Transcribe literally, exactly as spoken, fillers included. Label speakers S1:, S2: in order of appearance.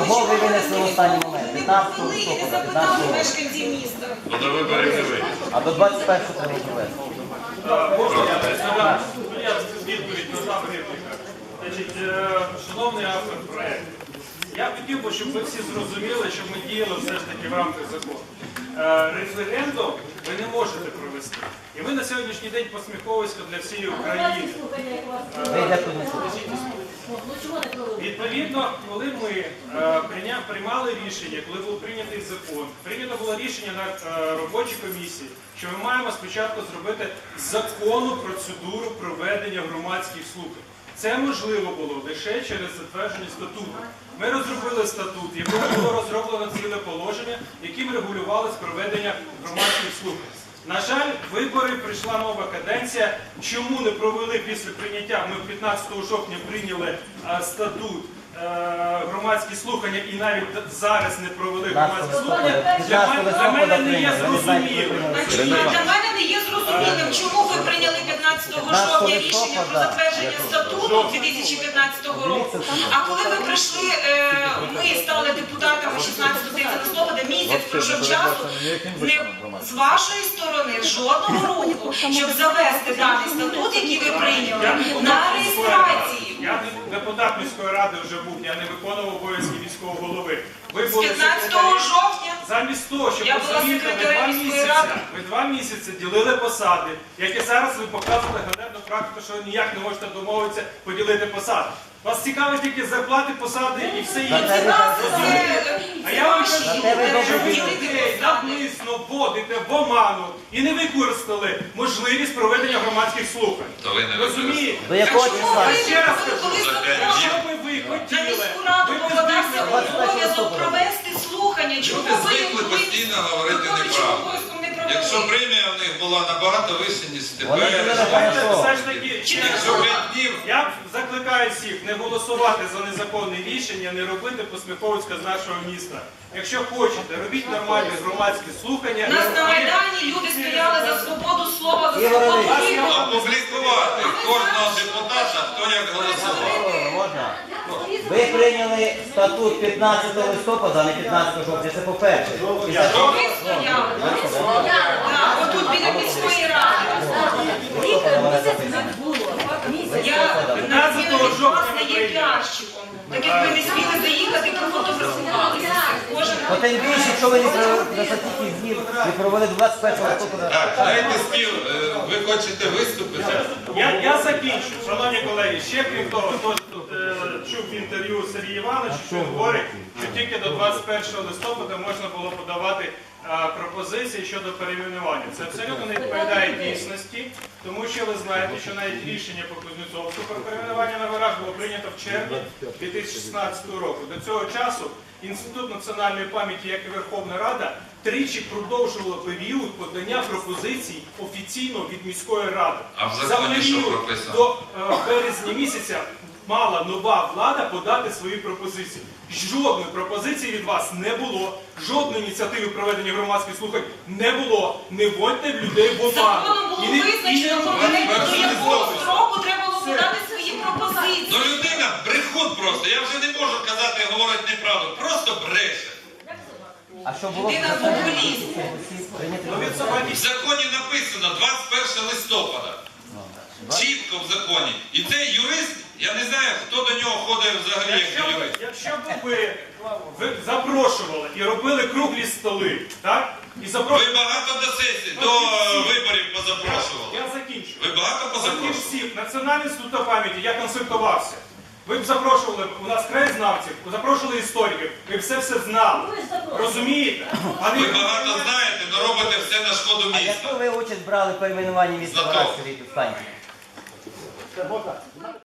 S1: Кого ви винесли в останній момент? п'ятнадцятого
S2: Коли і не
S1: листопада,
S2: запитали
S1: п'ятнадцятого.
S2: мешканців міста.
S3: До виборів не вийде.
S1: А до двадцять першого треба провести.
S4: Можна я задам? Ну, я відповідь надам репліка. Значить, е, шановний автор проєкту, я хотів би, щоб ви всі зрозуміли, щоб ми діяли все ж таки в рамках закону. Е, Референдум ви не можете провести. І ви на сьогоднішній день посміховисько для всієї України.
S1: Ви йдете тут не слухаєте.
S4: Відповідно, коли ми е, прийня- приймали рішення, коли був прийнятий закон, прийнято було рішення на е, робочій комісії, що ми маємо спочатку зробити законну процедуру проведення громадських слухань. Це можливо було лише через затвердження статуту. Ми розробили статут, в якому було розроблено ціле положення, яким регулювалось проведення громадських слухань. На жаль, вибори, прийшла нова каденція. Чому не провели після прийняття? Ми п'ятнадцятого жовтня прийняли а, статут, а, громадські слухання і навіть зараз не провели громадські слухання. Для мене, для мене не є зрозумілим.
S2: Для мене не є зрозумілим, чому ви прийняли п'ятнадцятого жовтня рішення про затвердження статуту дві тисячі п'ятнадцятого року. А коли ви прийшли, е, ми стали депутатами шістнадцятого листопада, місяць пройшов часу, не з вашої сторони жодного руху, щоб завести даний статут, який ви прийняли, на реєстрацію.
S4: Я не депутат міської ради вже був, я не виконував обов'язки міського голови. Ви
S2: З
S4: були
S2: п'ятнадцятого
S4: секретарі.
S2: жовтня
S4: Замість того, щоб
S2: Я була
S4: розуміти, ви
S2: секретарем
S4: два
S2: міської
S4: місяці,
S2: ради.
S4: ви два місяці ділили посади, як і зараз ви показуєте ганебну практику, що ви ніяк не можете домовитися поділити посади. Вас цікавить тільки зарплати, посади і все інше. А я вам кажу, що ви людей навмисно вводите в оману і не використали можливість проведення громадських слухань.
S3: То ви не
S4: Розумієте?
S1: До якого
S2: Чому
S1: числа?
S2: ви
S4: Ще раз
S2: коли- коли
S4: кажу,
S2: закон
S4: що би ви
S2: на
S4: хотіли?
S2: міську раду
S4: Ви
S2: покладався
S4: підтримали.
S2: обов'язок провести слухання? Чому
S3: Люди
S2: ви
S3: звикли
S2: ви
S3: постійно говорити
S2: виконуючим
S3: неправду.
S2: обов'язком не
S3: Якщо
S2: провели?
S3: премія в них була набагато вища, ніж
S1: Вони
S3: тепер.
S1: були
S4: Давайте
S1: Хорошо.
S4: все ж таки,
S3: Якщо п'ять днів,
S4: я закликаю всіх не голосувати за незаконне рішення, не робити посміховицька з нашого міста. Якщо хочете, робіть нормальні громадські слухання.
S2: У нас на Майдані люди стояли за свободу слова, за свободу вибору.
S3: опублікувати кожного депутата, хто як голосував.
S1: Можна? Ви прийняли статут п'ятнадцятого листопада, а не п'ятнадцятого жовтня. Це по-перше. І за що?
S2: Ви стояли. Так, отут біля міської ради. Я на зміну від вас не є піарщиком. Так як ви не сміли заїхати, профотографувалися. Кожен
S1: Бо тим більше, якщо ви не провели за стільки днів, ви провели двадцять першого листопада.
S3: Так, знаєте, спів, е, ви хочете виступити?
S4: Я, я закінчу, шановні колеги. Ще крім того, хто тут е, чув інтерв'ю Сергія Івановича, що він говорить, що тільки до двадцять першого листопада можна було подавати е, пропозиції щодо перейменування. Це абсолютно не відповідає дійсності, тому що ви знаєте, що навіть рішення по Кузнєцовську про перейменування на горах було прийнято в червні дві тисячі шістнадцятого року. До цього часу Інститут національної пам'яті, як і Верховна Рада, тричі продовжувало період подання пропозицій офіційно від міської ради.
S3: А в
S4: За
S3: законі що
S4: період
S3: прописано?
S4: до е, березня місяця мала нова влада подати свої пропозиції. Жодної пропозиції від вас не було, жодної ініціативи проведення громадських слухань не було. Не вводьте людей в оману.
S2: законом було
S4: І не- і не
S2: визначено,
S4: робіть
S2: до якого
S4: пропозиції.
S2: строку треба було подати свої пропозиції.
S3: Ну людина брехун просто, я вже не можу казати, говорить неправду, просто бреше.
S1: А що було?
S2: Людина популіст.
S1: Прийняти
S4: Ну, від
S3: В
S4: собаки.
S3: законі написано двадцять першого листопада. Чітко в законі. І цей юрист, я не знаю, хто до нього ходить взагалі як
S4: Якщо,
S3: до
S4: б-
S3: юриста.
S4: якщо б ви, ви запрошували і робили круглі столи, так? І
S3: Ви
S4: запрошували.
S3: багато до сесії, до е, виборів позапрошували.
S4: Я закінчу.
S3: Ви багато
S4: Проти
S3: позапрошували?
S4: всіх Національний інститут пам'яті, я консультувався. Ви б запрошували, у нас краєзнавців, запрошували істориків, ви б все все знали. Розумієте? А
S3: Ви
S4: не-
S3: багато знаєте, але робите все на шкоду
S1: А
S3: міста.
S1: яку ви участь брали в перейменуванні міста
S3: Знаток.
S1: Вараської станції?